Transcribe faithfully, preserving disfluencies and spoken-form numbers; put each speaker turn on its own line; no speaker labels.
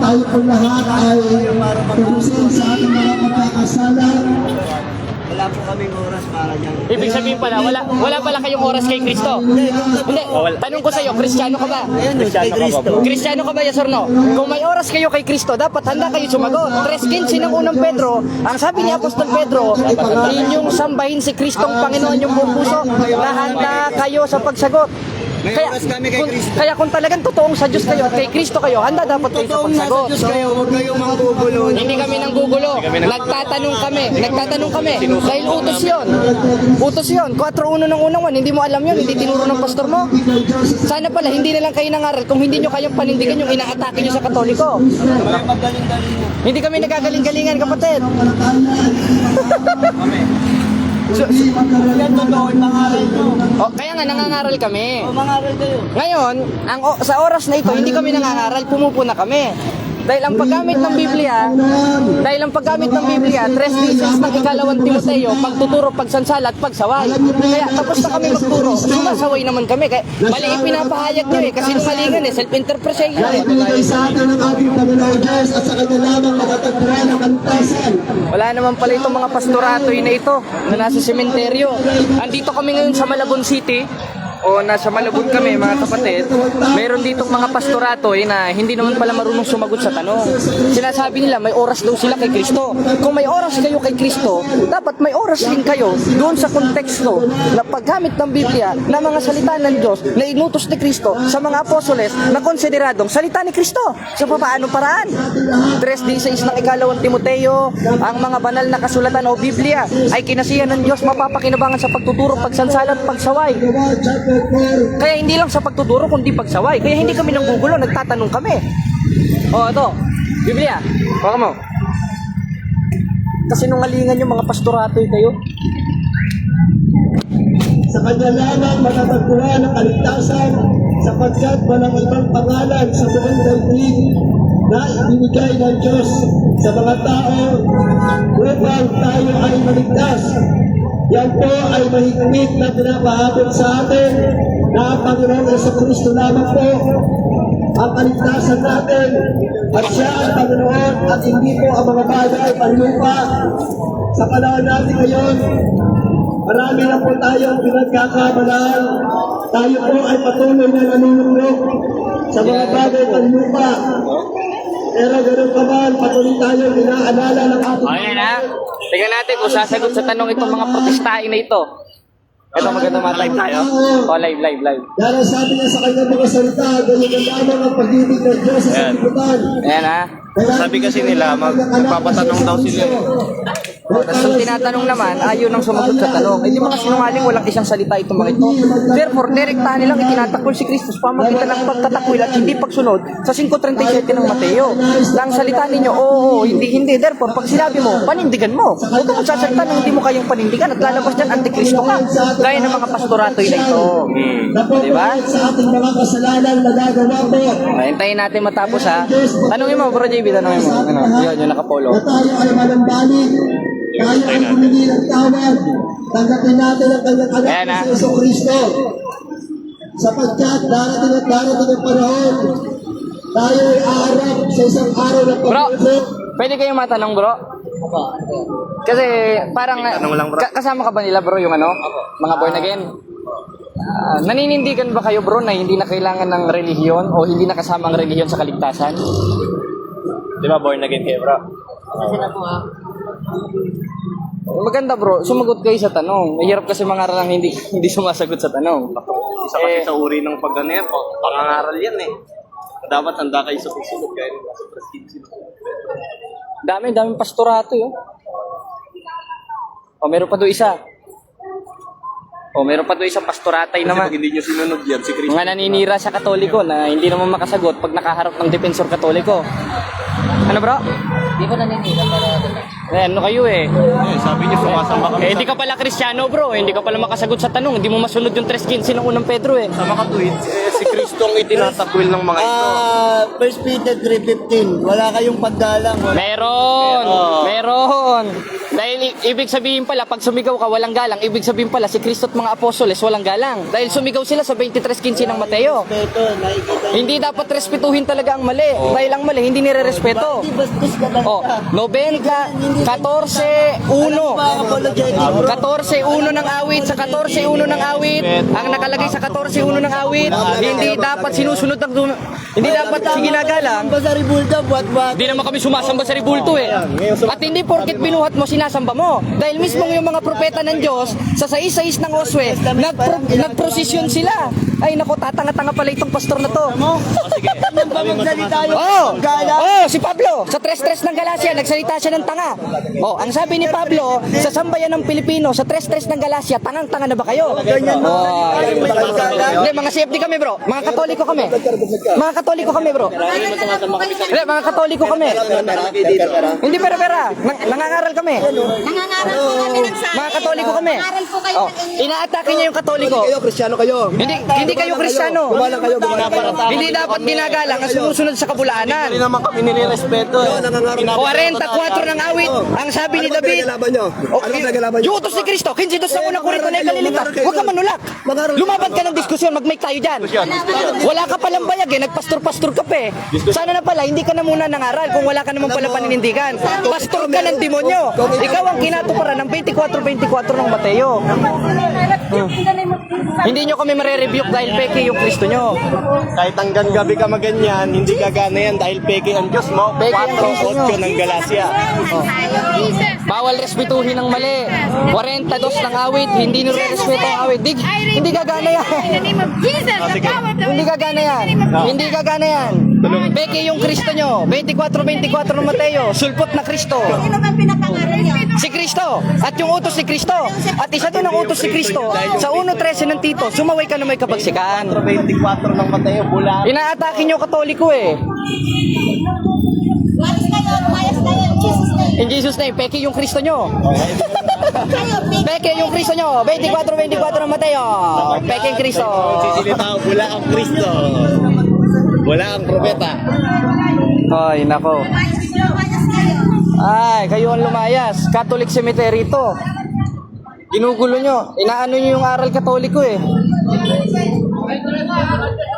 tayo po lahat ay tubusin sa ating mga pagkakasala.
Wala po kaming oras para dyan.
Ibig sabihin pala, wala wala pala kayong oras kay Kristo. Hindi, tanong ko sa'yo, Kristiyano ka ba?
Ayan, kay Cristo.
Kristiyano ka ba, yes or no? Kung may oras kayo kay Kristo, dapat handa kayo sumagot. tres fifteen ng unang Pedro, ang sabi ni Apostol Pedro, inyong sambahin si Kristong Panginoon yung buong puso, na handa kayo sa pagsagot.
May
Kaya
oras kami kay
kung,
Kristo.
kaya kung talagang totoong sa Diyos kayo at kay Kristo kayo, handa dapat kayo sa
Totoong nasa
pagsagot.
Diyos kayo, huwag kayong manggugulo.
Hindi kami nang gugulo. Nagtatanong kami. Nagtatanong kami. Dahil utos yun. Utos yun. four one ng unang one. Hindi mo alam yun. Hindi tinuro ng pastor mo. Sana pala, hindi na lang kayo nangaral kung hindi nyo kayang panindigan yung inaatake nyo sa Katoliko.
May magaling-galing mo.
Hindi kami nagagaling-galingan, kapatid.
Kami. So, yan totoo, mangaral nyo.
O, kaya nga, nangangaral kami.
O, mangaral kayo.
Ngayon, ang o- sa oras na ito, hindi kami nangangaral, pumupuna kami. Dahil ang paggamit ng Biblia, dahil ang paggamit ng Biblia, tres thesis ng ikalawang Timoteo, pagtuturo, pagsansala at pagsaway. Kaya tapos na kami magturo, sumasaway naman kami. Kaya mali ipinapahayag nyo eh, kasi numalingan eh, self-interpretation
Na
eh.
ibigay sa atin ng ating Panginoon Diyos at sa kanya lamang matatagpuan ang kantasan.
Wala naman pala itong mga pastoratoy na ito na nasa sementeryo. Andito kami ngayon sa Malabon City, o nasa Malabon kami mga kapatid. Meron ditong mga pastoratoy na hindi naman pala marunong sumagot sa tanong. Sinasabi nila may oras daw sila kay Kristo. Kung may oras kayo kay Kristo, dapat may oras din kayo doon sa konteksto na paggamit ng Biblia na mga salita ng Diyos na inutos ni Kristo sa mga apostoles na konsideradong salita ni Kristo. Sa papaanong paraan? tres sixteen ng ikalawang Timoteo, ang mga banal na kasulatan o Biblia ay kinasihan ng Diyos mapapakinabangan sa pagtuturo, pagsansala at pagsaway. Kaya hindi lang sa pagtuturo kundi pagsaway. Kaya hindi kami nanggugulo, nagtatanong kami. O ito, Biblia, baka mo. Kasi nungalingan yung mga pastoratoy kayo.
Sa kanya lamang matatagpuan ang kaligtasan sapagkat walang ibang pangalan sa buong daigdig na ibinigay ng Diyos sa mga tao upang tayo ay maligtas. Yan po ay mahigpit na pinapahabol sa atin na ang Panginoon Jesucristo lamang po ang kaligtasan natin at siya ang Panginoon at hindi po ang mga bagay panlupa. Sa panahon natin ngayon, marami na po tayong pinagkakamalaan. Tayo po ay patuloy na nanunulog sa mga bagay panlupa. Pero ganoon pa man, patuloy tayong inaalala ng ating
Ayan ha. Tingnan natin kung sasagot sa tanong itong mga protestahin na ito. Ito maganda mga live tayo. O live, live, live.
dahil sabi niya sa kanyang mga salita, ganyan ang lamang ang pag-ibig ng Diyos sa sanlibutan.
Ayan ha.
Sabi kasi nila, mag, magpapatanong daw sila.
Tapos ang tinatanong naman, ayaw nang sumagot sa tanong. Eh di mga sinungaling, walang isang salita itong mga ito. Therefore, direktahan nilang itinatakwil si Kristo sa pamagitan ng pagtatakwil at hindi pagsunod sa five thirty-seven ng Mateo. Nang salita ninyo, oo, oo, hindi, hindi. Therefore, pag sinabi mo, panindigan mo. Huwag kang sasalita nang hindi mo kayang panindigan at lalabas dyan, antikristo ka. Gaya ng mga pastoratoy na ito. Di ba?
Sa ating mga kasalanan na nagawa po,
Hintayin natin matapos ha. Tanungin mo, Bro J B, tanungin mo. Ano, yun, yung nakapolo.
na tayo ay manambalik, tayo ay humingi ng tawad, tanggapin natin ang kanyang
Ayan,
anak
ah.
sa Yeso Cristo. Sapagkat darating at darating ang panahon, tayo ay aarap sa isang araw ng
Bro,
pagbubuo.
pwede kayong matanong, bro? Kasi parang
Tanong lang, bro.
ka- kasama ka ba nila, bro, yung ano? Mga born again? Ah, naninindigan ba kayo, bro, na hindi na kailangan ng relihiyon o hindi na kasama ang relihiyon sa kaligtasan?
Di ba born again kayo, bro?
Maganda, bro. Sumagot kayo sa tanong. Mahirap kasi mangaral ang hindi hindi sumasagot sa tanong.
Isa kasi
Eh,
sa uri ng pag-ano yan, pang- pangangaral yan eh. Dapat handa kayo sa pagsunod, kaya nila sa presidency.
Dami, daming pastorato, yun. O, meron pa doon isa. O, meron pa doon isang pastoratay
Kasi
naman.
pag hindi nyo sinunod yan, si Cristo.
Mga naninira sa Katoliko na hindi naman makasagot pag nakaharap ng defensor Katoliko. Ano, bro?
Di ba naninira para
Eh, ano kayo eh?
Eh, sabi niyo, sumasamba kami
Eh, hindi ka pala Kristiyano, bro. Eh, hindi ka pala makasagot sa tanong. Hindi mo masunod yung tres fifteen ng unang Pedro eh.
sa mga tweets, eh, si Cristo ang itinatakwil ng mga ito.
Ah, First Peter three fifteen. Wala kayong paggalang. Wala.
Meron! Meron! Dahil i- ibig sabihin pala, pag sumigaw ka, walang galang. Ibig sabihin pala, si Kristo at mga apostoles, walang galang. Dahil sumigaw sila sa twenty-three fifteen ng Mateo.
Ito, nakikita niyo.
Hindi dapat respetuhin talaga ang mali. Dahil ang mali, hindi nire-respeto.
Di bastos ka lang.
Oh, ninety, fourteen, one.
Apologetic, bro.
fourteen one ng awit sa fourteen one ng awit. Ang nakalagay sa fourteen one ng awit, hindi dapat sinusunod ang dun- hindi dapat ginagalang.
Ba sa Ribulda, buhat-buhat.
Hindi naman kami sumasamba sa ribulto eh. At hindi porket binuhat mo, sinasamba mo. Dahil mismo yung mga propeta ng Diyos, sa sais-sais ng Oswe, nagpro- nagprosesyon sila. Ay nako, tatanga-tanga pala itong pastor na to.
Nang ba magsalita yung
Oh,
gala?
oh, si Pablo, sa tres-tres ng Galacia, nagsalita siya ng tanga. Oh, ang sabi ni Pablo, sa sambayan ng Pilipino, sa tres-tres ng Galacia, tangang-tanga na ba kayo?
Ganyan mo.
Oh, hindi, mga C F D kami bro. Mga Katoliko kami. Mga Katoliko kami bro. Hindi, mga Katoliko kami. Hindi pera-pera. Nang, nangangaral kami.
Nangangaral po kami ng sa
Mga Katoliko kami.
Nangangaral po kayo
Oh,
ng
inaatake niya yung Katoliko.
Kayo, Kristiyano kayo.
Hindi hindi kayo Kristiyano.
Gumalang kayo, gumalang kayo.
Hindi dapat ginagalang ang sumusunod sa kabulaanan.
Hindi naman kami nire-respeto eh.
forty-four ng awit, ang sabi ni
Ano ba
David,
pinaglaban nyo? Ano ba pinaglaban nyo?
yung utos ni Kristo, kinsi doon sa unang kurito na ikalilitas. Huwag ka manulak. Lumaban ka ng diskusyon, mag-make tayo dyan. Wala ka palang bayag eh, nagpastor-pastor ka pa eh. Sana na pala, hindi ka na muna nangaral kung wala ka naman pala paninindigan. Pastor ka ng demonyo. Ikaw ang kinatuparan ng twenty-four twenty-four ng Mateo. Hindi nyo kami mare-rebuke dahil peke yung Kristo nyo.
Kahit hanggang gabi ka maganyan, hindi gagana yan dahil peke ang Diyos mo.
Peke ang Diyos nyo.
four ng Galacia.
Bawal respetuhin ng mali. forty-two ng awit, hindi nire-respeto ang awit. Di, hindi gagana yan.
In the name of Jesus, the power of the
Hindi gagana yan. Hindi gagana yan. Beke yung Kristo nyo. twenty-four twenty-four ng Mateo. Sulpot na Kristo.
Sino bang pinapangaral niyo?
Si Kristo. At yung utos ni Kristo. At isa doon ang utos si Kristo. Sa one thirteen ng Tito, sumaway ka na may kabagsikan.
twenty-four ng Mateo, bula.
Inaatake nyo Katoliko eh.
Walis kayo, mayas kayo, in Jesus name.
In Jesus name, peke yung Kristo nyo.
Kayo, big
Peke yung Kristo nyo. twenty-four twenty-four ng Mateo. Peke yung Kristo.
Sisilita, bula ang Kristo. Wala ang propeta.
Ay, nako.
mayas kayo, mayas kayo.
Ay, kayo ang lumayas. Catholic cemetery to. Ginugulo nyo. Inaano nyo yung aral katoliko eh.